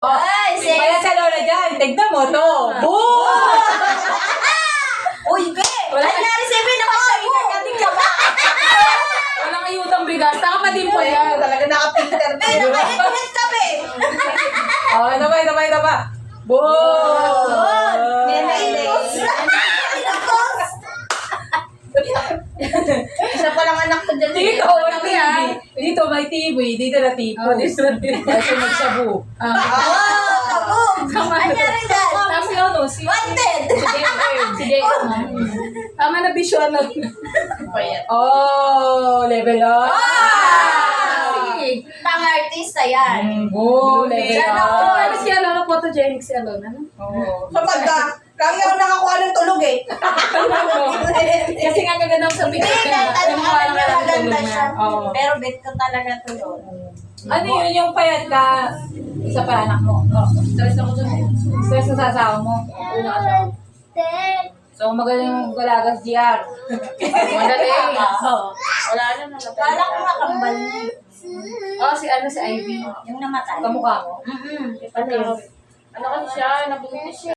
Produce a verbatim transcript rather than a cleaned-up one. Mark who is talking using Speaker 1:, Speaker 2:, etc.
Speaker 1: Oh,
Speaker 2: Ay, sis.
Speaker 1: wala sa lola dyan. Tignan mo to. Boom!
Speaker 2: Uy, be!
Speaker 1: Wala
Speaker 2: Ay,
Speaker 1: ka-
Speaker 2: nariseven naman sa mo!
Speaker 1: ka ba? Walang ayutang bigas. Saka pa din po yan.
Speaker 3: Talaga naka-filter na
Speaker 2: Ay,
Speaker 3: yun.
Speaker 2: nakainit kami!
Speaker 1: Oh, ito ba, ito ba, ito ba? Boom!
Speaker 2: Nenaitos! Nenaitos!
Speaker 3: Isa pa lang anak ko dyan.
Speaker 1: Dito, may T V. Dito may T V. Dito na tipo.
Speaker 4: Oh, dito na tipo.
Speaker 1: Kasi magsabu.
Speaker 4: Ah,
Speaker 2: Oh, kaboom! Anyari dyan?
Speaker 4: Tapos si ano, si
Speaker 2: Wanted!
Speaker 4: si J M. Tama na visual na.
Speaker 1: Oh, level up.
Speaker 2: Ah! Pang-artista yan.
Speaker 1: Mm, Boom, level
Speaker 2: Yan
Speaker 4: Ano,
Speaker 1: up.
Speaker 4: ano si Alona, photogenic si Alona, no?
Speaker 1: Oh.
Speaker 3: Kapag ka, kami ako nakakuha ng tulog eh.
Speaker 4: Kasi nga gaganda ko sa
Speaker 2: Hindi,
Speaker 4: picture
Speaker 2: kahit
Speaker 4: na.
Speaker 2: anong
Speaker 4: Kumuha
Speaker 2: ano
Speaker 4: lang ka ng
Speaker 2: maganda
Speaker 4: tulog
Speaker 2: siya.
Speaker 4: na. Oo.
Speaker 2: Pero bet ko talaga to yun.
Speaker 1: Ano yun, yung payat ka, isa pa anak mo. Oh.
Speaker 4: Stress ako dun.
Speaker 1: Stress na sa asawa mo.
Speaker 4: Una asawa.
Speaker 1: So, magaling yung galagas G R.
Speaker 4: Madali.
Speaker 1: Oo.
Speaker 4: Wala na na.
Speaker 2: Kala ko nga kambal niya.
Speaker 4: Oh, si ano, si Ivy.
Speaker 2: Yung namatay.
Speaker 1: Kamukha mo.
Speaker 2: Mm-mm.
Speaker 4: Ano? Ano kasi siya, nabuntis siya.